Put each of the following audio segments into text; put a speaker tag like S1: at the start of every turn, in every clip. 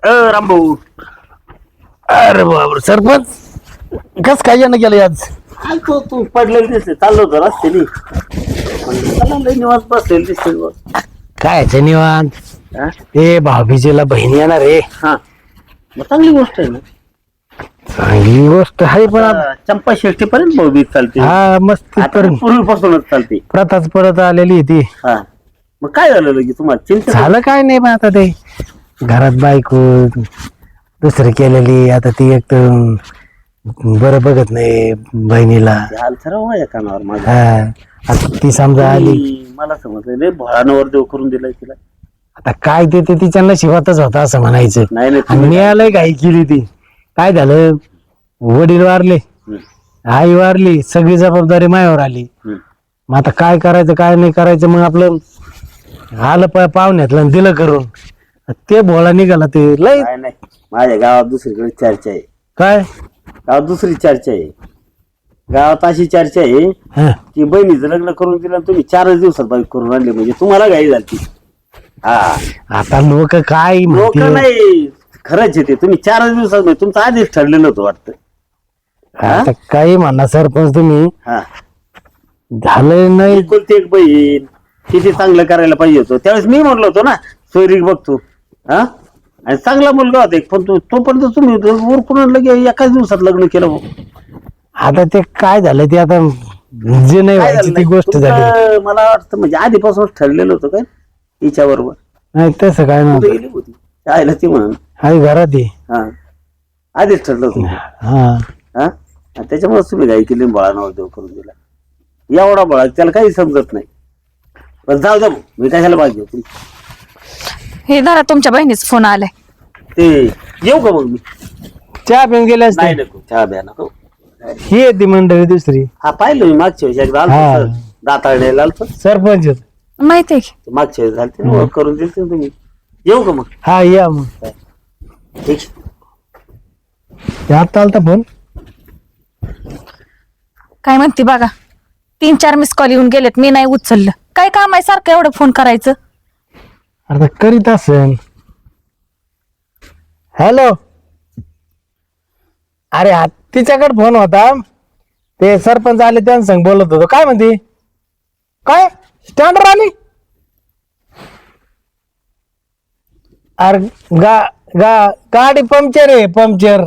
S1: रामभाऊ.
S2: अरे बाबर सरपंच कस काय यानं गेलं आज?
S1: तो तू पडलेला दिसते, चाललो होतो रस्त्याने. चला लय निवांत बसलेलं दिसते बघ.
S2: काय निवांत?
S1: हा?
S2: ए भाभीजीला बहीण येणार रे.
S1: हा, मग चांगली गोष्ट आहे ना.
S2: चांगली गोष्ट आहे पण
S1: आता चंपा शेट्टी पर्यंत भाऊबीज चालते.
S2: हा मस्त
S1: आता पूर्वीपासूनच चालते.
S2: प्रथाच परत आलेली आहे ती.
S1: हा, मग काय झालं लगे तुम्हाला चिंता?
S2: झालं काय नाही पण आता ते घरात बायको दुसरी केलेली, आता ती एक तर बरं बघत नाही बहिणीला.
S1: हाल ठरव माझ्या कानावर माझ्या.
S2: हा आता ती समजा आली.
S1: मला समजलं रे भोळानवर देव करून दिलाय तिला.
S2: आता काय ते तिच्या नशिबातच होता असं म्हणायचं.
S1: नाही नाही
S2: आणि मिळालंय घाई केली ती. काय झालं, वडील वारले, आई वारली, सगळी जबाबदारी मायावर आली. मग आता काय करायचं काय नाही करायचं, मग आपलं आलं पाहुण्यातलं आणि दिलं करून. ते भोळा निघाला ते लय.
S1: काय नाही, माझ्या गावात दुसरीकडे चर्चा आहे.
S2: काय
S1: गावात दुसरी चर्चा आहे. गावात अशी चर्चा आहे
S2: हा,
S1: की बहिणीचं लग्न करून दिलं आणि तुम्ही 4 दिवसात बाईक करून आणली, म्हणजे तुम्हाला घाई झाली. हा,
S2: आता लोक काय
S1: लोक
S2: म्हणतील?
S1: नाही, खरंच आहे ते. तुम्ही 4 दिवसात नाही, तुमचं आधीच ठरलेलं होतं वाटतं.
S2: आता काही म्हणा सरपंच तुम्ही,
S1: हा,
S2: झालं नाही.
S1: एकुलती एक बहीण, किती चांगलं करायला पाहिजे होतं. त्यावेळेस मी म्हणलो होतो ना सोयरीक बघतो. हा, आणि चांगला मुलगा होता एक, पण तोपर्यंत तुम्ही उरकून लगे एकाच दिवसात लग्न केलं भाऊ.
S2: आता ते काय झालं ते आता जे नाही
S1: काय
S2: व्हायची
S1: झालं
S2: ती
S1: नाही?
S2: गोष्ट झाली.
S1: तुमचं मला वाटतं म्हणजे आधीपासूनच ठरलेलं होतं काय तिच्या बरोबर.
S2: नाही तसं काय नव्हतं.
S1: गेली होती आईला ती म्हणून.
S2: आई घरात आहे.
S1: हा, आधीच ठरलं होतं.
S2: हा
S1: हा, आणि त्याच्यामुळे तुम्ही घाई केली, बळांवर देव करून दिला. एवढा बळा त्याला काही समजत नाही. पण जाऊ द्या, मी कशाला पाहिजे तुम्ही.
S3: हे धरा तुमच्या बहिणीचा फोन आलाय.
S1: ते येऊ का मग मी?
S2: चहा पिऊन गेले असते.
S1: नाही नको, चहा द्या नको.
S2: ही आहे ती मंडळी दुसरी.
S1: हा, पाहिलं मी मागच्या वेळेस एकदा
S2: हा.
S1: आलतो दाताळण्याला आलतो.
S2: सरपंच आहेत.
S3: माहितीये की
S1: मागच्या वेळेस झालते ना, ओळख करून दिली तुम्ही. येऊ का मग?
S2: हा या मग.
S1: ठीक.
S2: ते आता आलता फोन.
S3: काय म्हणते बघा. 3-4 मिस कॉल येऊन गेलेत, मी नाही उचललं. काय काम आहे सारखं एवढं फोन करायचं?
S2: आता करीत असेल. हॅलो, अरे हा तिच्याकडे फोन होता. ते सरपंच आले त्यांना संग बोलत होतो. काय म्हणते? काय स्टँडवर आली? अरे गा गा गाडी पंक्चर आहे, पंक्चर.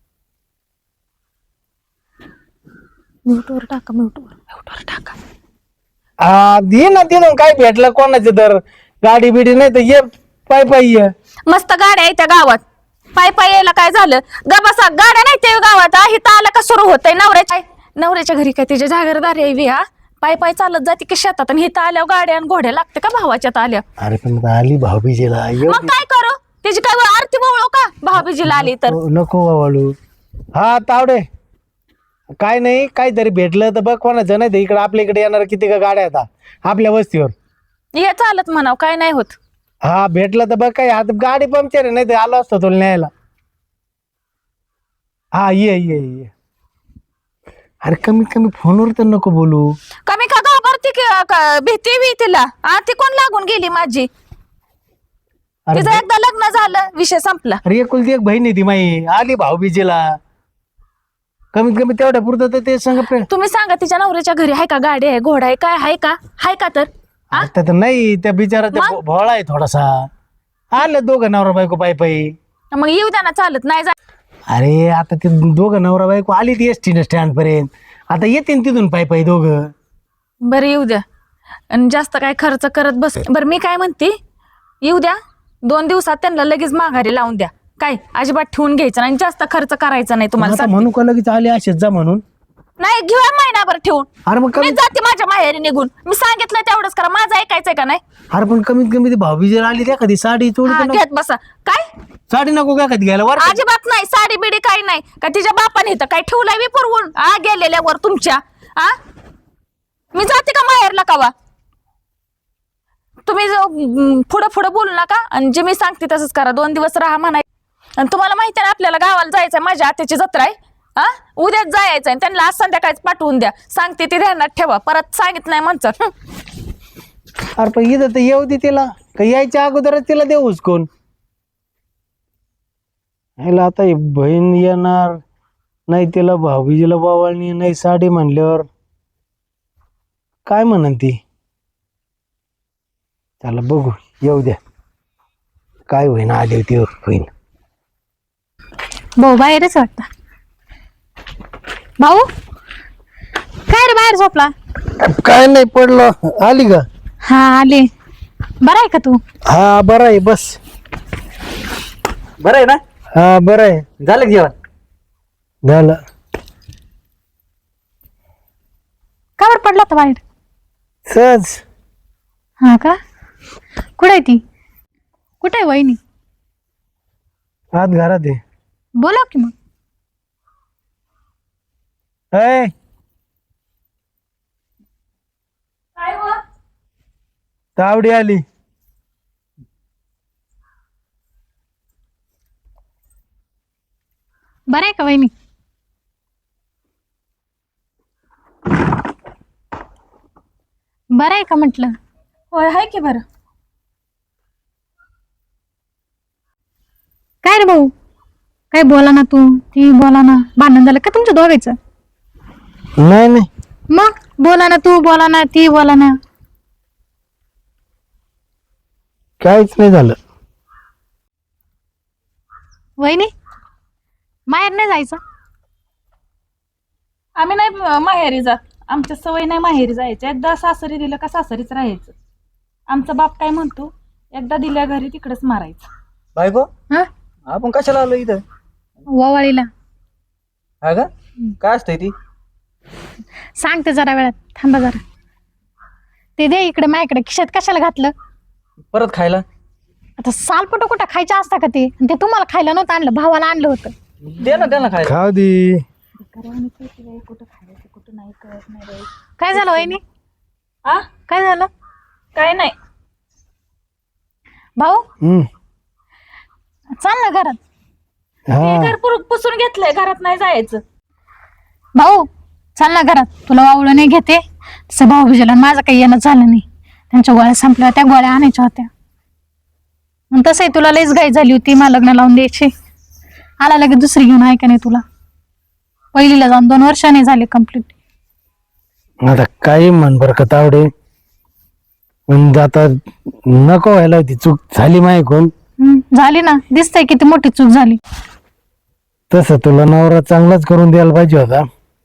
S3: म्यूटवर टाका, म्यूटवर टाका.
S2: दे ना तिथून काय भेटलं कोणाचं तर गाडी बिडी नाही तर ये पाय पाय ये.
S3: मस्त गाड्या आहेत त्या गावात. पाय पाय यायला काय झालं? बसा, गाड्या नाही त्या गावात. इथं आलं का सुरू होतंय. नवऱ्याच्या घरी काय तिच्या जागीरदारी यावी? हा, पाय पाय चालत जाते की शेतात, आणि इथं आल्यावर गाड्या आणि घोड्या लागते का भावाच्यात आल्या?
S2: अरे पण आता आली भाऊबीजेला.
S3: मग काय करू? तिची काय आरती बोळू का भाऊबीजीला आली तर?
S2: नको वाळू. हा तावडे, काय नाही, काहीतरी भेटलं तर बघ कोणाचं. नाही तर इकडे आपल्या इकडे येणार किती का गाड्या आता आपल्या वस्तीवर.
S3: हे चालत म्हणाव, काय नाही होत.
S2: हा भेटलं तर बघ. काय आता गाडी पंक्चर आहे, नाही तर आलो असतो तुला न्यायला. हा ये ये ये. अरे कमीत कमी फोनवर तर नको बोलू.
S3: कमी का घाबरते भीती बी तिला? ती कोण लागून गेली माझी?
S2: अरे
S3: तिचं एकदा लग्न झालं, विषय संपला.
S2: अरे एकुलती एक बहीण आहे ती माई. आली भाऊबीजेला, कमीत कमी तेवढ्या पुरतं तर ते सांग.
S3: तुम्ही सांगा, तिच्या नवऱ्याच्या घरी आहे का गाडी आहे, घोडा आहे, काय आहे का? आहे का? तर
S2: आता तर नाही, त्या बिचारा त्या भोळा आहे थोडासा. आले दोघं नवरा बायको पायी पायी.
S3: मग येऊ द्या ना, चालत नाही जा.
S2: अरे आता ते दोघं नवरा बायको आली ती एसटी स्टँड पर्यंत. आता येतील तिथून पायी पायी दोघं.
S3: बरं येऊ द्या, आणि जास्त काय खर्च करत बस. बरं मी काय म्हणते, येऊ द्या 2 दिवसात त्यांना लगेच माघारी लावून द्या. काय अजिबात ठेवून घ्यायचं नाही, जास्त खर्च करायचा नाही तुम्हाला.
S2: आता म्हणू का लगेच आले असेच जा म्हणून?
S3: नाही, घेऊया महिनाभर ठेवून.
S2: अरे मग
S3: मी जाते माझ्या माहेरी निघून. मी सांगितलं तेवढंच करा, माझं ऐकायचंय का नाही?
S2: अरे पण कमीत कमी ती भाऊबीजेला आली त्या कधी साडी चोळी तर नको.
S3: घेत बसा. काय
S2: साडी नको का कधी घ्यायला वर?
S3: अजिबात नाही, साडी बिडी काही नाही. का तिच्या बापाने इथं काय ठेवलंय मी पुरवून गेलेल्यावर तुमच्या? मी जाते का माहेरला कावा? तुम्ही पुढं पुढं बोलू नका, आणि जे मी सांगते तसंच करा. 2 दिवस राहा म्हणाय. आणि तुम्हाला माहिती आहे ना, आपल्याला गावाला जायचंय, माझ्या आत्याची जत्रा आहे. उद्याच जायचंय. त्यांना आज संध्याकाळीच पाठवून द्या. सांगते ते ध्यानात ठेवा, परत सांगित नाही म्हणतात.
S2: अरे पण इथं तर येऊ दे तिला, का यायच्या अगोदरच तिला देऊच कोण? ह्याला आता ही बहीण येणार नाही, तिला भाऊबीजीला बावळणी नाही साडी म्हणल्यावर काय म्हणन ती. त्याला बघू, येऊ द्या काय होईन, आली होती होईन.
S3: भाऊ बाहेरच वाटतं. भाऊ काय रे बाहेर झोपला?
S2: काय नाही पडलं. आली का?
S3: हा आले. बरं आहे का तू?
S2: हा बरं आहे, बस.
S1: बरं आहे ना?
S2: हा बरं आहे.
S1: झालं की जेवण?
S2: झालं.
S3: का बरं पडला होता बाहेर?
S2: सहज.
S3: हा का? कुठे आहे ती? कुठे आहे वहिनी?
S2: आत घरात आहे.
S3: बोला की मग.
S2: ऐ,
S3: काय हो?
S2: तावडी आली.
S3: बरं आहे का वहिनी? बरं आहे का म्हटलं? होय आहे की बरं. काय रे भाऊ, काय बोला ना तू, ती बोला ना. भांडण झालं का तुमच्या दोघांचं?
S2: नाही नाही,
S3: मग बोला ना तू, बोला ना ती, बोला ना.
S2: काहीच नाही झालं.
S3: वहिनी माहेर नाही जायचं?
S4: आम्ही नाही माहेरी जात. आमच्या सवय नाही माहेरी जायचं. एकदा सासरी दिलं का सासरीच राहायचं. आमचा बाप काय म्हणतो, एकदा दिल्या घरी तिकडेच मारायचं.
S5: बायको,
S3: हा
S5: आपण कशाला आलो इथं?
S3: ववाळीला.
S5: हा का? काय असतंय ती?
S3: सांगते जरा वेळात, थांबा जरा. ते दे इकडे माझ्याकडे. खिशात कशाला घातलं?
S5: परत खायला?
S3: आता सालपटो कुठं खायचं असतं का ते? आणि ते तुम्हाला खायला नव्हतं आणलं, भावाला आणलं होतं.
S5: दे ना त्यांना खायला.
S2: खाऊ दे.
S4: कुठं खायचं कुठं नाही कळत नाही बाई.
S3: काय झालं वहिनी?
S4: आ
S3: काय झालं
S4: काय नाही.
S3: भाऊ?
S2: हम्म.
S3: चाल ना घरात.
S4: हे
S2: हा
S4: घर पुसून घेतलंय, घरात नाही जायचं.
S3: भाऊ चाल ना घरात. तुला वावळं नाही घेते. तसं भाऊ भिजला, माझं काही येणं झालं नाही. त्यांच्या गोळ्या संपल्या, त्या गोळ्या आणायच्या होत्या. मग तसंही तुला लईच घाई झाली होती, मला लग्न लावून द्यायची. आला लगेच दुसरी घेऊन, आहे का नाही तुला? पहिलीला जाऊन 2 वर्षांनी झाले कम्प्लीट.
S2: आता काही म्हण बर का तावडे, पण आता नको व्हायला होती. चूक झाली माहिती.
S3: झाली ना, दिसतंय किती मोठी चूक झाली.
S2: तसं तुला नवरा चांगलाच करून द्यायला पाहिजे होता.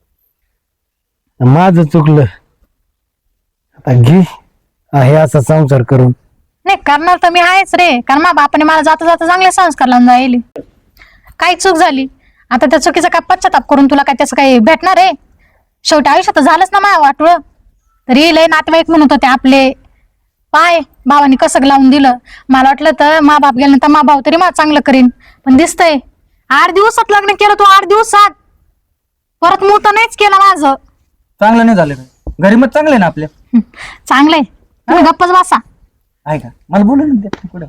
S2: माझं चुकलं. आता घे आहे असा संसार करून.
S3: नाही करणार तर मी आहेच रे, कारण माझ्या बापाने मला जाता जाता चांगले संस्कार लावून जायले. काही चूक झाली, आता त्या चुकीचा काय पश्चाताप करून तुला काय त्याचं काही भेटणार आहे? शेवटी आयुष्यात झालंच ना माझ्या वाटोळ. तरी लय नातेवाईक म्हणत होते आपले, पाय भावाने कसं लावून दिलं. मला वाटलं तर मा बाप गेल्यानंतर मा भाऊ तरी मला चांगलं करीन, पण दिसतंय 8 दिवसात लग्न केलं तू. 8 दिवसात परत मोठं नाहीच केलं माझं.
S5: चांगलं नाही झालं का? घरी मग चांगले ना आपल्या?
S3: चांगलंय, तुम्ही गप्पच बसा.
S5: आहे का? मला बोलू ना दे पुढं.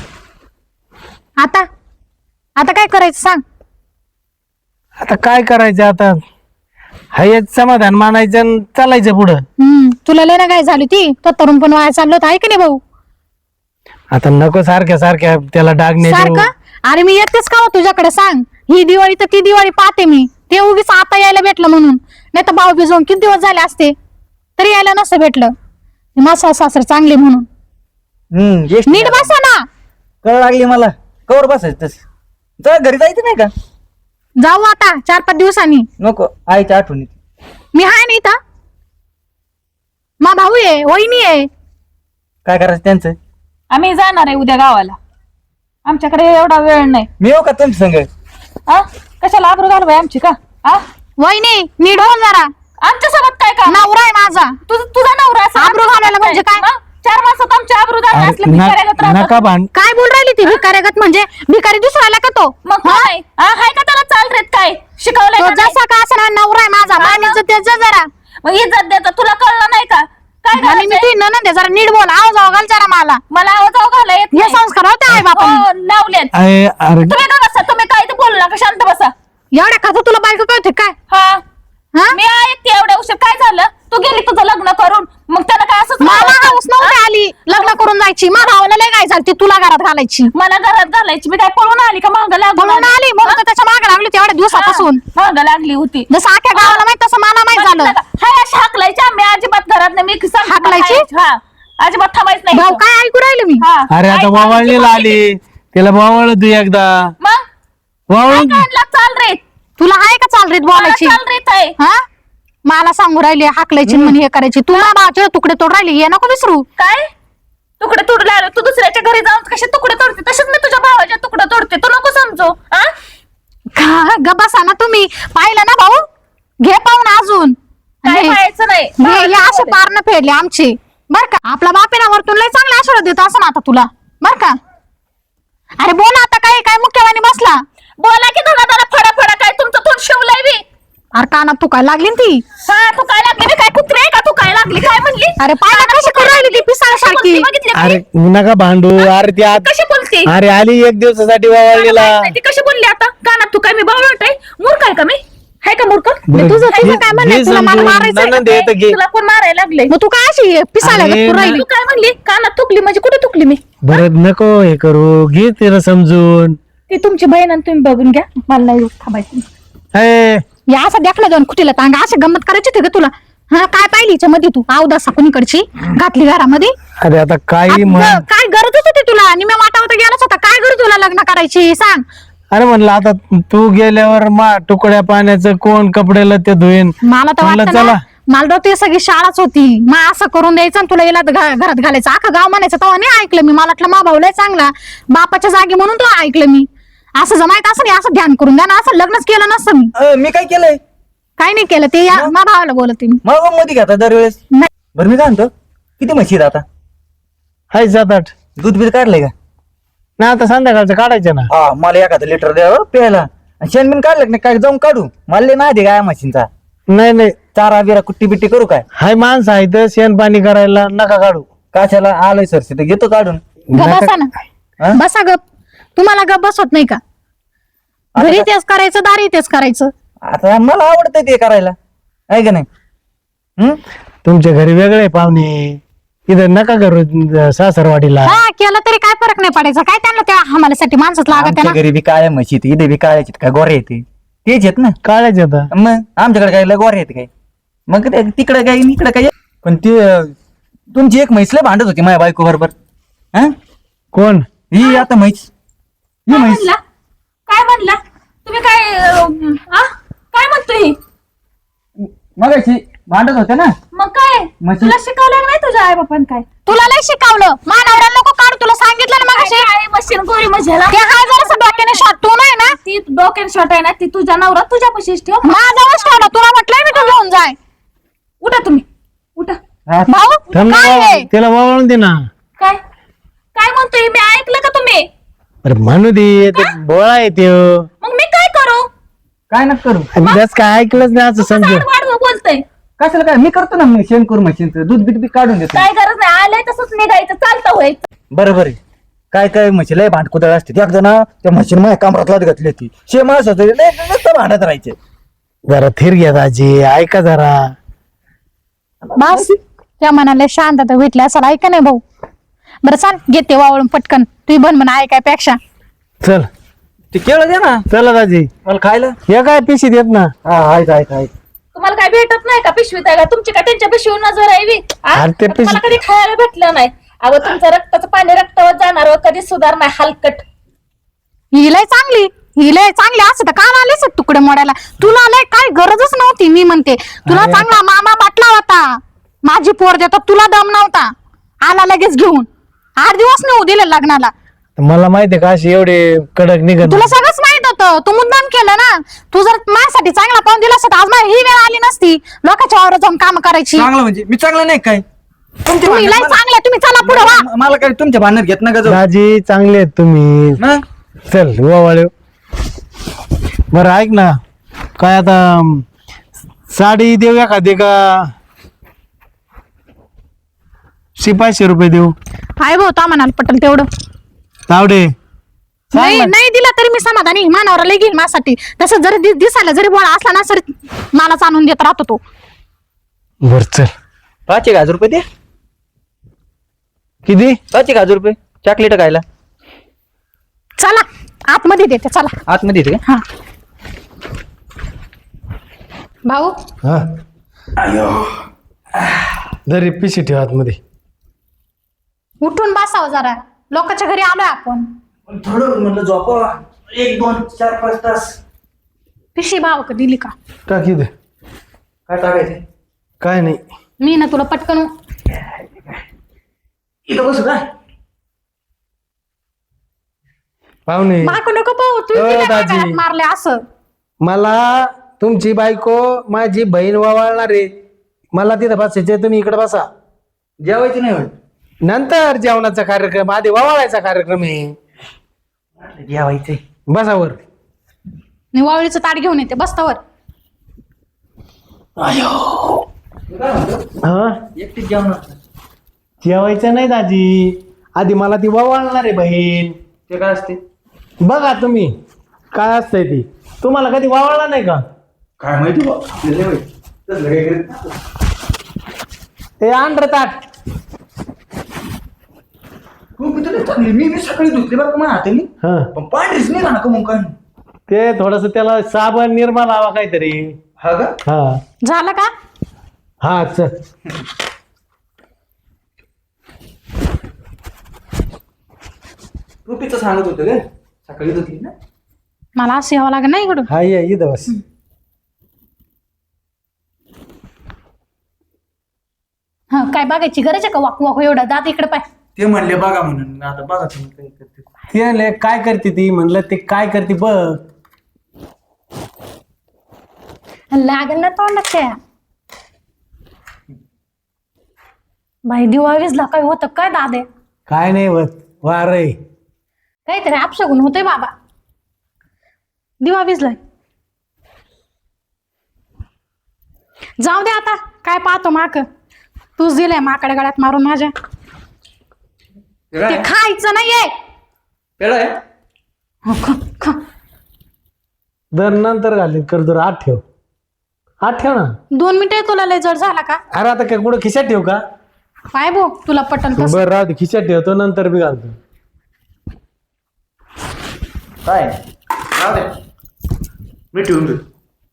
S3: आता आता काय करायचं सांग?
S2: आता काय करायचं? आता हायच समाधान मानायचं आणि चालायचं पुढं.
S3: तुला लय ना काय झाली ती, तो तरुण पण वाया चाललो होता, आहे की नाही भाऊ?
S2: आता नको सारख्या सारख्या त्याला डाग नाही देऊ.
S3: सारखं? अरे मी येतेच का हो तुझ्याकडे सांग? ही दिवाळी तर ती दिवाळी पाहते मी. ते उगीच आता यायला भेटलं म्हणून, नाही तर भाऊ भिजवून किती दिवस झाले असते तरी यायला नसतं भेटलं. माझा सासरे चांगले म्हणून.
S5: ज्येष्ठ
S3: नीट बसा ना.
S5: कळ लागली मला. कवर बसायचं तस. जा घरी जायचं नाही का?
S3: जाऊ आता 4-5 दिवसांनी.
S5: नको, आईच्या आठवणीत.
S3: मी आहे ना इथं. मा भाऊ आहे, वहिनी आहे.
S5: काय करायचं त्यांचं?
S4: आम्ही जाणार आहे उद्या गावाला. आमच्याकडे एवढा वेळ नाही.
S5: मी येऊ का तुमच्या संग?
S4: आ कशाला आबरू घालवाय आमची का? आ
S3: वहिनी नीट हो जरा.
S4: आमच्या सोबत काय का?
S3: नवरा आहे माझा.
S4: तुझा नवरा असं
S3: आबरू घालवायला म्हणजे काय?
S4: 4 माणसात आमची आबरू घालवाय असले भिकाऱ्यागत राहतात.
S2: नका भांड.
S3: काय बोल राहिली ती भिकाऱ्यागत? म्हणजे भिकारी दुसऱ्याला का तो?
S4: मग काय? हाय का त्याला चाल रेत काय शिकवलंय
S3: तो
S4: का नाही?
S3: जसा का असणार नवरा आहे माझा. मानीचं त्याचं जरा.
S4: मग इज्जत देता तुला कळलं नाही का? काय
S3: आणि मी
S4: घालायचंय?
S3: तुझी ननंद आहे, जरा नीट बोल. आवाज घाल जरा मला.
S4: मला आवाज घाला येत
S3: हे
S4: नाही.
S3: संस्कार होते आहे बापा.
S4: हो, लावलेत.
S2: अरे
S4: तुम्ही का बसा? तुम्ही काय ते बोलू नका, शांत बसा.
S3: एवढ्या खातो तुला बायको कळते काय?
S4: हा
S3: हा?
S4: मी ऐकते एवढ्या उशीर काय झालं? तू गेली तुझं लग्न करून, मग त्याला काय असंच
S3: मला
S4: राहावं?
S3: हाऊस नव्हती आली लग्न करून जायची माझ्या भावाला लय काय झालं ती तुला घरात घालायची
S4: मला घरात घालायची मी काय पळून आली का मागं लागून
S3: म्हणून आली म्हणून तर त्याच्या मागे लागली होती एवढ्या दिवसापासून
S4: मागं लागली होती
S3: जसं आख्या गावाला माहित तसं मला माहित झालं
S4: हाय अशी हाकलायची आम्ही अजिबात घरात नाही मी
S3: हाकलायची?
S4: हा अजिबात थांबायच नाही
S3: भाऊ काय ऐकू राहिले मी
S4: हा.
S2: अरे आता
S4: ऐकायची
S2: वावळणीला आली तिला वावळ तू एकदा
S4: मग
S2: वावळून
S4: काय काढला? चाल रे
S3: तुला आहे का चाल रीत बोलायची
S4: चाल रे ताई.
S3: हा मला सांगू राहिली हाकलायची म्हणे हे करायची तू माझ्या भावाचे तुकडे तोड राहिली हे नको विसरू
S4: काय तुकडे तोडले आलो तू दुसऱ्याच्या घरी जाऊन कसे तुकडे तोडते तसेच मी तुझ्या भावाचे तुकडे तोडते तू नको समजू हा
S3: गबासा ना तुम्ही पाहिलं ना भाऊ घे पाहून अजून
S4: काय
S3: हे-
S4: पाहायचं नाही
S3: हे असे पारण फेडले आमचे बर का आपला बापेना वरतून लय चांगला आशीर्वाद देतो असं ना आता तुला बर का अरे बोल आता काय काय मुख्यवानी बसला
S4: बोला की धडा धडा फडा फडा काय तुमचं तोंड शिवलंय बी
S3: अरे कानात तू काय लागली ना ती
S4: हा तू काय लागली मी काय कुत्रे आहे का तू काय लागली काय म्हणली
S3: अरे पाहिलं कशी करू राहिली ती पिसाळ्यासारखी
S4: बघितली का?
S2: अरे नका भांडू अरे ती आत
S4: कशी बोलते
S2: अरे आली एक दिवसासाठी वावळणीला
S4: ती कशी बोलली आता कानात तू काय मी बावळट आहे मूर्ख आहे का मी हाय का मूर्ख
S2: बरं,
S3: तुझं
S2: घे-
S3: काय म्हणणं आहे?
S2: घे
S3: तुला मला
S2: समजून.
S3: मारायचंय
S2: नणंद आहे तर घे.
S4: तुला कोण मारायला लागले
S3: मग तू काय अशी पिसाळ्या
S2: अरे
S3: करू राहिली
S4: तू काय म्हणली कानात थुकली म्हणजे कुठे थुकली मी
S2: बरं नको हे करू घे तिला समजून
S4: ती तुमची बहीण आणि तुम्ही बघून घ्या मला नाही थांबायचं
S2: ए,
S3: या असं देखलं दोन कुठीला तांगा असं गंमत करायची होती का तुला हा काय पाहिली हिच्या मध्ये तू अवदासा कुणीकडची घातली घरामध्ये
S2: अरे आता काही म्हण
S3: काय गरजच होती तुला आणि मी वाटावता गेलाच होता काय गरज तुला लग्न करायची सांग
S2: अरे म्हणलं आता तू गेल्यावर मा तुकड्या पाण्याचं कोण कपड्याला ते धुईन
S3: मला तर
S2: म्हणलं
S3: वाटतं
S2: चला
S3: ना मला तर ते सगळी शाळाच होती मग असं करून द्यायचं आणि तुला याला घरात घालायचं अख्खं गाव म्हणायचं तेव्हा नाही ऐकलं मी मला वाटलं मा भाऊला चांगला बापाच्या जागी म्हणून तो ऐकलं मी असं जमायचं असं नाही असं ध्यान करून द्या ना असं लग्नच केलं नसतं मी
S5: मी काय केलंय
S3: काही नाही केलं ते मा भावाला बोलते मी
S5: मग मध्ये घेता दरवेळेस
S3: नाही.
S5: बरं मी काय म्हणतो किती म्हशी आहेत आता
S2: हाय 7-8
S5: दूध बीध काढलंय का
S2: ना आता संध्याकाळचं काढायचं ना
S5: हा मला एखादं लिटर द्यावं प्यायला आणि शेणबिन काढलं नाही काय जाऊन काढू मला नाही दे काय म्हशींचा
S2: नाही नाही
S5: चारा बिरा कुट्टी बिट्टी करू काय
S2: हाय माणसं आहे तर शेण पाणी करायला नका काढू
S5: काशाला आलोय सरशी तर घेतो काढून
S3: ग बसा ना
S5: हा?
S3: बसा गप तुम्हाला गप बसवत नाही का घरी तेच करायचं दारी तेच करायचं
S5: आता मला आवडतंय ते करायला आहे का नाही हम्म?
S2: तुमच्या घरी वेगळे पाहुणे इथं नका करू सासरवाडीला
S3: हा केलं तरी काय फरक नाही पडायचा काय त्यांना त्या हमाल्यासाठी माणसंच लागत
S5: आमच्या
S3: ना
S5: घरी बी काळ्या म्हशी आहेत, इथे बी काळ्याचे काय गोरे येते तेच आहेत ना
S2: काढायचे आता
S5: मग आमच्याकडे काय लय गोरे आहेत काय मग तिकडे काय इकडे काय पण ती तुमची एक म्हैस लय भांडत होती माझ्या बायको बरोबर हा
S2: कोण
S5: ही आता म्हैस ही म्हैस
S4: म्हणला काय म्हणला तुम्ही काय म्हणतोय
S5: मगाशी भांडत होते ना
S4: मग काय
S5: म्हशी-
S4: तुला शिकवलं नाही तुझ्या आई बापान काय
S3: तुला लय शिकवलं मानवऱ्या नको काढ तुला सांगितलं ना मग
S4: आई मशीन गोरी मजेला
S3: ते हाय जरा डोक्याने शॉट तू नाही ना
S4: ती डोक्यान शॉट आहे ना ती तुझ्या नवरा तुझ्यापाशीच ठेव
S3: माझा ठेवला तुला म्हटलंय मी तू घेऊन जाय
S4: उठा तुम्ही उठा
S5: हा,
S3: भाऊ
S2: थांब ना
S3: काय
S2: बाबा,
S3: आहे?
S2: तिला वावळून दे ना
S4: काय काय म्हणतोय मी ऐकलं का तुम्ही
S2: अरे म्हणू दे ते बोळा आहे ते
S4: मग मी काय करू
S5: काय नका करू
S2: जास्त काय ऐकलंच नाही असं समजू
S4: वाढवं बोलतोय
S5: कशाला काय मी करतो ना शेण करू म्हशींचं दूध बीत बी काढून देतो
S4: काय गरज नाही आलंय तसंच निघायचं चालतं व्हायचं
S5: बरं बरं काय काय म्हशी लय भांडकुदळ असते एकदा ना त्या म्हशीने माझ्या कामरात घातली होती शे माणस होते लय नुसतं भांडत राहायचे
S2: जरा थिर घ्या दाजी ऐका जरा
S3: बस त्या मनाला शांतता भेटली असं ऐका नाही भाऊ बरं चाल घेते वावळून पटकन तू बन म्हणा ऐकायपेक्षा
S2: चल
S5: ते केळं दे ना
S2: चला दाजी
S5: मला खायला
S2: हे काय पिशी देत ना
S5: हा आहेत आहेत आहेत
S4: तुम्हाला काय भेटत नाही का पिशवीत आहे का तुमची का त्यांच्या पिशवीवर नजर आहे
S2: अरे ते
S4: तुम्हाला कधी खायला भेटलं नाही अगं तुमचं रक्ताचं पाणी रक्तावर जाणार कधी सुधार नाही हलकट
S3: ही लय चांगली असं तर काल आलेच तुकडे मोडायला तुला लय काय गरजच नव्हती मी म्हणते तुला
S2: अरे.
S3: चांगला मामा बाटला होता माझी पोर देतो तुला दम नव्हता आला लगेच घेऊन 8 दिवस नाही दिले लग्नाला
S2: मला माहितीये का अशी एवढे कडक निघत
S3: तुला सगळंच माहित होतं तू मुद्दाम केलं ना तू जर माझ्यासाठी चांगला पाहून दिला असता आज मला ही वेळ आली नसती लोकांच्या वावरात जाऊन काम करायची
S5: चांगलं म्हणजे मी चांगलं नाही काय तुमच्या
S3: तुम्ही लय
S5: भांडणात
S3: चांगले तुम्ही चला पुढे वा
S5: मला काय तुमच्या भांडणात घेत नका जाऊ
S2: दाजी चांगले आहेत तुम्ही
S5: मग?
S2: चल वावळे बरं ऐक ना काय आता साडी देऊ एखादी का 500 रुपये देऊ
S3: हाय भाऊ ता म्हणाल पटेल तेवढं
S2: तावडे
S3: नाही नाही दिला तरी मी समाधानी मानावर लय घेईल माझ्यासाठी तसं जरी दिसायला जरी बोळा असला ना सर मलाच आणून देत राहतो तो
S2: बर चल
S5: 5,000 रुपये दे
S2: किती?
S5: 1000 रुपये चॉकलेट खायला.
S3: चला आतमध्ये देते चला.
S5: आतमध्ये येते का?
S3: हा भाऊ
S2: हा जरी पिशी ठेव आतमध्ये.
S3: उठून बसाव जरा, लोकांच्या घरी आलोय आपण.
S5: थोडं म्हणलं झोपा 1 2 4 5 तास.
S3: पिशी भाव का दिली का?
S2: टाकी दे.
S5: काय टाकायचं?
S2: काय नाही.
S3: मी ना तुला पटकन
S5: इथं बसू काय?
S2: पाहुणे
S3: बायको नको पाहू तू
S2: ओ,
S3: तिला
S2: दाजी.
S3: गळ्यात मारले असं.
S2: मला तुमची बायको माझी बहीण वावळणार आहे. मला तिथं बसायचे, तुम्ही इकडे बसा.
S5: जेवायचं नाही होत.
S2: नंतर जेवणाचा कार्यक्रम, आधी वावळायचा कार्यक्रम आहे.
S5: जेवायचंय.
S2: बसावर.
S3: मी वावळीचं ताट घेऊन येते बसतावर.
S2: हा
S5: एकटीच जेवणार.
S2: जेवायचं नाही दाजी, आधी मला ती वावळणार आहे बहीण.
S5: ते काय असते?
S2: बघा तुम्ही काय असतंय ती. तुम्हाला कधी वावळला नाही का?
S5: काय माहिती बा आपल्याला नाही माहिती. तसलं काही करत नाही.
S2: ते आंध्र ताट.
S5: तू किती चांगली. मी सकाळी धुतली बरं का माझ्या हाताने.
S2: हा
S5: पण पांढरीच नाही का मग काय?
S2: ते थोडस त्याला साबण निर्मा लावा काहीतरी.
S5: हा का?
S2: हा
S3: झालं का?
S2: हा चल.
S5: तू पिचं सांगत होतं का सकाळी धुतली ना?
S3: मला असं यावं लागेल ना इकडून.
S2: हा ये इथं बस.
S3: हा काय बघायची गरज आहे का? वाकू वाकू एवढा दात इकडे पाय.
S5: ते म्हणले बघा म्हणून. आता बघा तुम्ही काय करते.
S2: ते म्हणले, काय करते ती? म्हणलं ते काय करते बघ.
S3: लागेल ना तोंडात त्या. बाई दिवा विजला काय होतं काय दादे?
S2: काय नाही होत. वार आहे.
S3: काहीतरी अपशगुन होतंय बाबा. दिवा विजलाय. जाऊ दे आता काय पाहतो माक. तूच दिलंय माकडे गळ्यात मारून माझ्या. ते खायचं नाहीये.
S5: पेढा आहे?
S3: हो, खा, खा.
S2: दर नंतर घालीन कर. जर आत ठेव. आत ठेव ना.
S3: 2 मिनिटं तुला लय जड झाला का?
S2: अरे आता काय कुठं खिशात ठेव का?
S3: पाय भो तुला पटन तसं.
S2: बरं राहू दे, खिशात ठेवतो नंतर मी घालतो.
S5: काय? राहू दे. मी ठेवून देतो.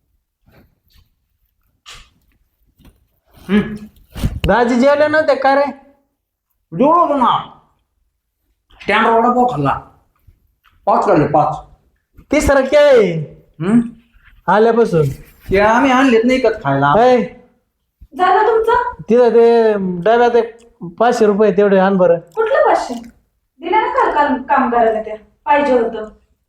S2: दाजी जेवले नव्हते का रे?
S5: जेवढं ना स्टँड वडापाव खाल्ला. 5 खाल्ले 5.
S2: तिसरं काय आल्यापासून?
S5: ते आम्ही आणलेत नाही कत खायला.
S2: ऐ,
S4: झालं तुमचं?
S2: तिथं ते डब्यात एक 500 रुपये तेवढे आण बरं.
S4: कुठलं 500? दिलं ना काल काल काम करायला त्या पाहिजे होतं.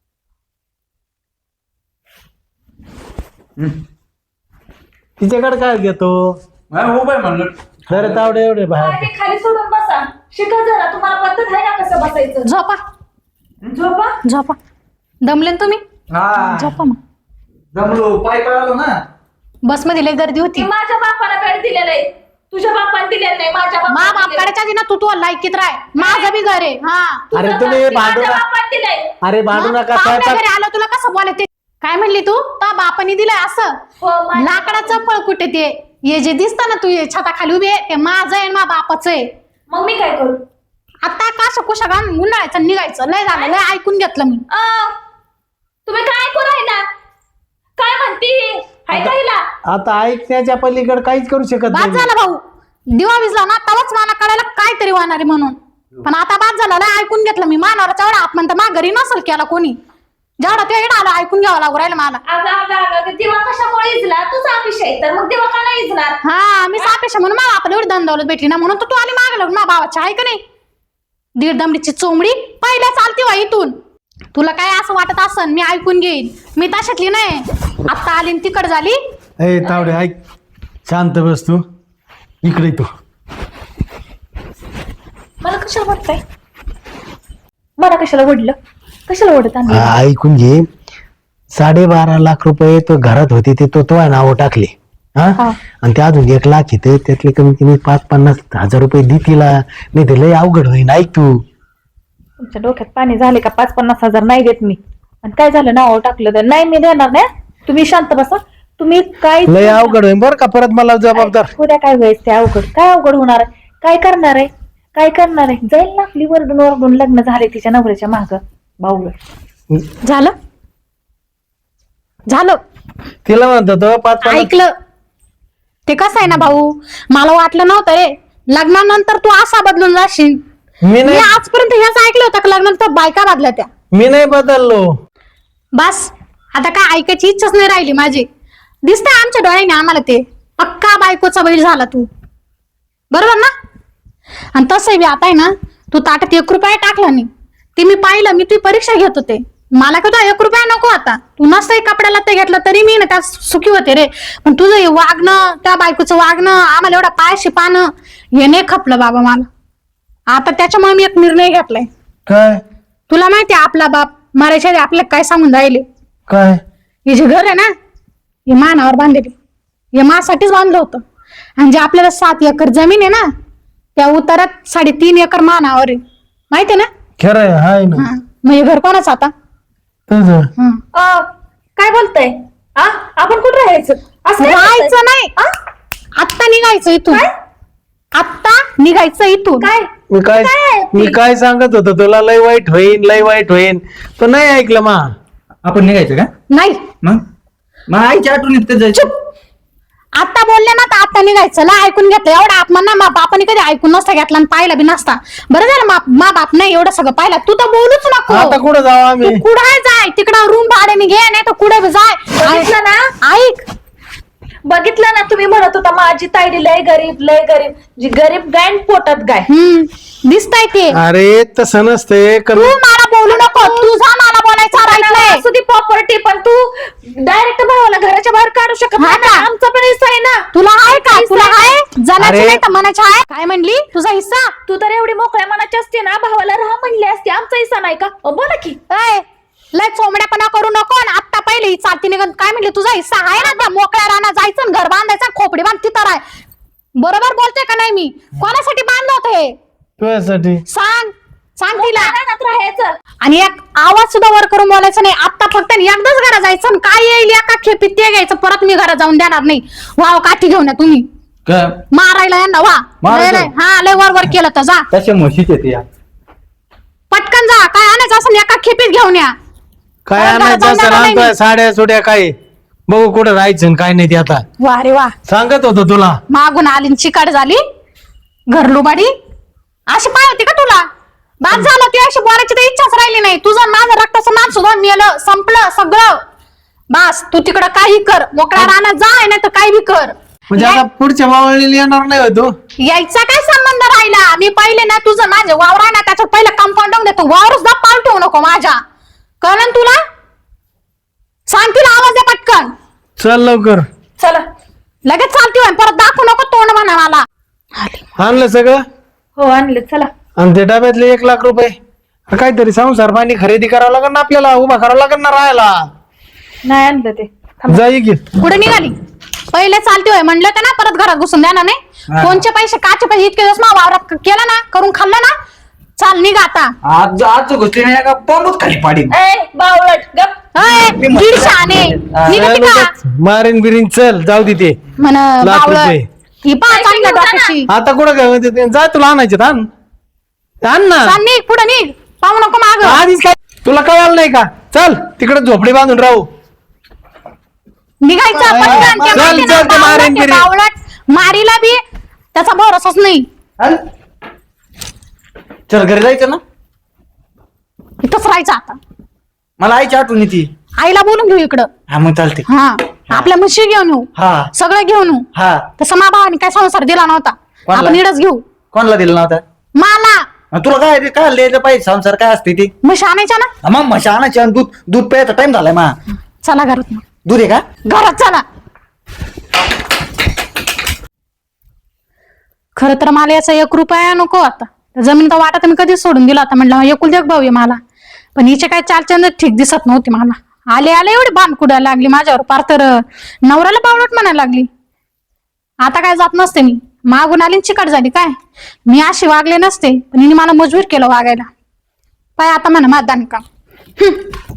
S2: तिच्याकडे काय घेतो?
S5: उभं म्हणलं.
S2: जरा तावडे एवढे
S4: काय
S2: बाहेर.
S4: ते खाली सोडून बसा. शिका जरा. तुम्हाला पद्धत आहे ना कसं बसायचं.
S3: झोपा
S4: झोपा.
S3: झोपा. दमले ना तुम्ही?
S5: हा
S3: झोपा मग.
S5: जमलो. पाय आलो ना.
S3: बस मध्ये लय गर्दी होती.
S4: ती माझ्या बापाला बेड दिलेलं आहे. तुझ्या बापाने दिलेलं नाही. माझ्या
S3: मा
S4: बापाने दिलेलं आहे.
S3: बापकाड्याच्या आधी ना तू लायकीत राह. माझं बी घर आहे. हा
S2: अरे
S4: तुझं
S2: तुम्ही
S4: ती
S2: भांडू
S4: माझ्या
S2: नका.
S4: बापाने दिलंय.
S2: अरे भांडू नका.
S3: पाहुण्या
S2: स्वयंपाक
S3: घरी आलो तुला कसं बोलायचं? काय म्हणली तू? ता बापाने दिलंय असं?
S4: हो, माझ्या
S3: लाकडाचं फळ कुठे ते? हे जे दिसतं ना तू छताखाली उभे ते माझं आहे मा बापाचं आहे.
S4: मग मी काय करू?
S3: आता काशा कुशा घालून उन्हाळ्याचं निघायचं. लय झालं लय ऐकून घेतलं मी.
S4: तुम्ही काय ऐकू राहिला? काय म्हणती? हाय का हिला?
S2: आता ऐकण्याच्या पलीकडे काहीच करू शकत
S3: बाद
S2: नाही.
S3: झाला भाऊ. दिवा विजला ना तवाच मला कळायला काहीतरी होणार आहे म्हणून. पण आता बाद झाला लय ऐकून घेतलं मी. मानावरचा एवढा हात म्हणतं मा घरी नसल केला कोणी. जेवढा ते एवढा आला ऐकून घ्यावं लागू राहिलं मला.
S4: अगं दिवा कशामुळे इजला? तुझा विषय तर मग दिवा का नाही इजणार?
S3: हा मी सापेक्षा म्हणून मला आपण एवढी दंदवलत भेटली ना म्हणून तर तू आली मागं लागून मा भावाच्या आहे का नाही? दीड दमडीची चोंबडी पहिल्या चालती वा इथून. तुला काय असं वाटत असन मी ऐकून घेईन. मी तशातली नाही. आता आली तिकड झाली.
S2: ए तावडे ऐक. शांत बस तू. इकडे तू.
S4: मला कशाला वाटतंय? मला कशाला ओढलं? कशाला ओढत आणली?
S2: ऐकून घे. 12.5 लाख रुपये तो घरात होते ते तो नाव टाकले. हा आणि ते अजून 1 लाख येते त्यातले कमी कमी 5-50 हजार रुपये दे तिला. नाही ते लय अवघड होईन. ऐक तू.
S4: तुमच्या डोक्यात पाणी झाले का? 5-50 हजार नाही देत मी. आणि काय झालं नाव टाकलं तर नाही मी देणार नाही. तुम्ही शांत बसा. तुम्ही काय
S2: लय अवघड होईन बरं का. परत मला जबाबदार.
S4: उद्या काय व्हायचं ते अवघड? काय अवघड होणार आहे? काय करणार आहे? काय करणार आहे, जाईल ना आपली वरडून वरडून लग्न झाले तिच्या नवऱ्याच्या माग भाऊ.
S6: झालं झालं
S2: तिला म्हणतो तो 5-5
S6: ऐकलं ते कसं आहे ना भाऊ, मला वाटलं नव्हतं रे लग्नानंतर तू असा बदलून जाशील.
S2: मी
S6: मी
S2: नाही
S6: आजपर्यंत हेच ऐकलं होतं की लग्नानंतर बायका बदल्या त्या.
S2: मी नाही बदललो.
S6: बस आता काय ऐकायची इच्छाच नाही राहिली माझी. दिसतंय आमच्या डोळ्याने आम्हाला ते पक्का बायकोचा बैल झाला तू, बरोबर ना. आणि तसं बी आता आहे ना, तू ताटात 1 रुपया टाकला नाही ते मी पाहिलं. मी तुझी परीक्षा घेत होते, मला कधी 1 रुपया नको आता. तू नसतंय कपड्याला ते घेतलं तरी मी ना त्यात सुखी होते रे. पण तुझं हे वागणं, त्या बायकोचं वागणं, आम्हाला एवढा पायाशी पानं हे नाही खपलं बाबा मला. आता त्याच्यामुळे मी एक निर्णय घेतलाय.
S2: काय
S6: तुला माहितीये आपला बाप मरायच्या आधी आपल्याला काय सांगून राहिले,
S2: काय
S6: हे जे घर आहे ना हे मानावर बांधलेले, हे मासाठीच बांधलं होतं. आणि जे आपल्याला 7 एकर जमीन आहे ना त्या उतारात 3.5 एकर मानावर आहे, माहितीये ना.
S2: खरं हाय ना
S6: हा, मग हे घर कोणाचं आता.
S2: तुझं.
S6: हा.
S4: काय बोलताय, आपण कुठे राहायचं, असं काय बोलताय?
S6: राहायचं नाही, आत्ता निघायचं इथून, आत्ता निघायचं इथून.
S4: काय
S2: मी काय सांगत होतो तुला, लय वाईट होईन लय वाईट होईन, तो नाही ऐकलं मा.
S5: आपण निघायचं का
S6: नाही,
S5: मग आईच्या आठवणीत कधी जायचं.
S6: आता बोलले ना तर आता निघायचं. ला ऐकून घेतलं एवढा अपमान ना, मा बापाने कधी ऐकून नसता घेतला आणि पाहिला बी नसता. बरं झालं मा बाप नाही एवढं सगळं पाहिलं. तू तर बोलूच नको.
S2: आता कुठं जाऊ आम्ही.
S6: कुठे जाय, तिकडं रूम भाड्याने घे, नाही तर कुठे जाय.
S4: बघितलं ना,
S6: ऐक,
S4: बघितलं ना, तुम्ही म्हणत होता माझी ताईडी लय गरीब जी गरीब गाय आणि पोटात गाय.
S6: दिसतंय ते.
S2: अरे तसं नसते
S6: तू मला बोलू नको, तुझा मला बोलायचा राईट नाही.
S4: असू दे प्रॉपर्टी, पण तू डायरेक्ट भावाला घराच्या बाहेर काढू शकत
S6: हा
S4: नाही ना.
S6: का?
S4: आमचा पण हिस्सा आहे ना.
S6: तुला आहे का, तुला आहे जनाची
S2: अरे.
S6: नाही तर मनाची आहे. काय म्हणली तुझा हिस्सा.
S4: तू तर एवढी मोकळ्या मनाची असते ना, भावाला राहा म्हणली असते. आमचा हिस्सा नाही का, बोला की.
S6: ए, लय चोमड्यापणा करू नको. आणि आत्ता पहिले ही चालती निघत काय म्हणली, तुझा हिस्सा आहे ना त्या मोकळ्या रानात जायचं आणि घर बांधायचं, खोपडी बांध तिथं राय. बरोबर बोलते का नाही मी. कोणासाठी बांधलं होतं हे
S2: तुझ्यासाठी.
S6: सांग, सांग तिला.
S4: रानात राहायचं.
S6: आणि एक आवाज सुद्धा वर करून बोलायचं नाही. आता फक्त एकदाच घरात जायचं आणि काय येईल एका खेपीत ते घ्यायचं, परत मी घरात जाऊन देणार नाही. वाव काठी घेऊन या तुम्ही मारायला यांना. वा
S5: मारायचं?
S6: लय, हा लय वर केलं तर जा
S5: तशा म्हशीच येते
S6: पटकन जा. काय आणायचं असं एका खेपीत घेऊन या.
S2: काय
S6: परत घरात
S2: आणायचं
S6: जाऊन
S2: असं
S6: देणार नाही
S2: राहतोय,
S6: मी.
S2: साड्या सुड्या काय बघू कुठं राहायचं आणि काय नाही ते. आता
S6: वा रे वा,
S2: सांगत होतो तुला.
S6: मागून आली न चिकाट झाली घरलुबाडी. अशी पाय होती का तुला. बाद झालं, ती अशी बोलायची तर इच्छाच राहिली नाही. तुझं माझं रक्ताचं नाम सुद्धा मेलं, संपलं सगळं. बस तू तिकडं काही कर, मोकळ्या रानात जा, नाही तर काही बी कर.
S2: म्हणजे आता पुढच्या मावळीला येणार नाही होतो.
S6: यायचा काय संबंध राहिला. मी पहिले ना तुझं माझं वावर आहे ना त्याच्यावर पहिलं कंपाऊंड देतो. वावर सुद्धा पाऊल ठेवू नको माझ्या, कळलं तुला. सांग तिला आवाज दे पटकन.
S2: चल लवकर.
S4: चला.
S6: लगेच चालती होय, परत दाखवू नको तोंड म्हणा मला.
S2: आणलं सगळं.
S4: हो आणले. चला.
S2: आणि ते डब्यातले 1 लाख रुपये काहीतरी संसार पाणी खरेदी करावं लागेल ना आपल्याला, उभा करावं लागेल ना राहायला.
S4: नाही आणलं ते.
S2: जाई की.
S6: पुढे निघाली. पहिले चालती होय म्हणलं तर ना, परत घरात घुसून देणार नाही. कोणचे पैसे काचे पैसे इतके दिवस ना वावरात केलं ना, करून खाल्लं ना. चाल निघ आता.
S5: आज घुसली नाही का पामूत खाली पाडी.
S4: बावळट गप.
S6: अय, दीड शहाणे. निघती का
S2: मारीन बिरीन. चल जाऊ दे ते
S6: म्हण
S2: लाख
S6: बावळट.
S2: रुपये.
S6: ही पहा चांगल्या डोक्याची.
S2: आता कुठं काय म्हणते ते? जा तुला आणायचे आण ना.
S6: चाल निघ, पुढे निघ, पाहू नको माग.
S2: आधीच काय तुला कळालं नाही का. चल तिकडे झोपडी बांधून राहू.
S6: निघायचं पटकन. ते
S2: चल,
S6: माहिती ना,
S2: चल, ते मारीन
S6: बावळट, ते
S2: बिरीन.
S6: बावळट. मारीला बी त्याचा भरोसाच नाही.
S5: चल घरी जायचं ना.
S6: इथंच राहायचं आता.
S5: मला आईची आठवण येते.
S6: आईला बोलून घेऊ इकडं.
S5: हा मग चालते.
S6: हा, आपल्या म्हशी घेऊन येऊ,
S5: हा
S6: सगळं घेऊन येऊ.
S5: हा.
S6: तसं मा भावाने काय संसार दिला नव्हता,
S5: कोणाला?
S6: आपण इडच घेऊ.
S5: कोणाला दिलं नव्हता.
S6: मला
S5: तुला काय ते काय द्यायचं पाहिजे संसार काय असते ते.
S6: म्हशी आणायच्या ना.
S5: मग म्हशी आणायची आणि दूध प्यायचा टाइम झालाय मा.
S6: चला घरात मग.
S5: दूध आहे का.
S6: घरात चला. खर तर मला याचा 1 रुपया नको आता. जमीन वाटा मी कधीच सोडून दिला होता. म्हटलं एकुलती एक भाऊ आहे मला, पण हिचे काय चालचंद ठीक दिसत नव्हती मला. आले एवढी बाण कुडायला लागली माझ्यावर, पार तर नवऱ्याला बावळट म्हणायला लागली. आता काय जात नसते मी. मागून आली चिकट झाली काय. मी अशी वागले नसते, पण हिने मला मजबूर केलं वागायला. पाय आता म्हणा मतदान का.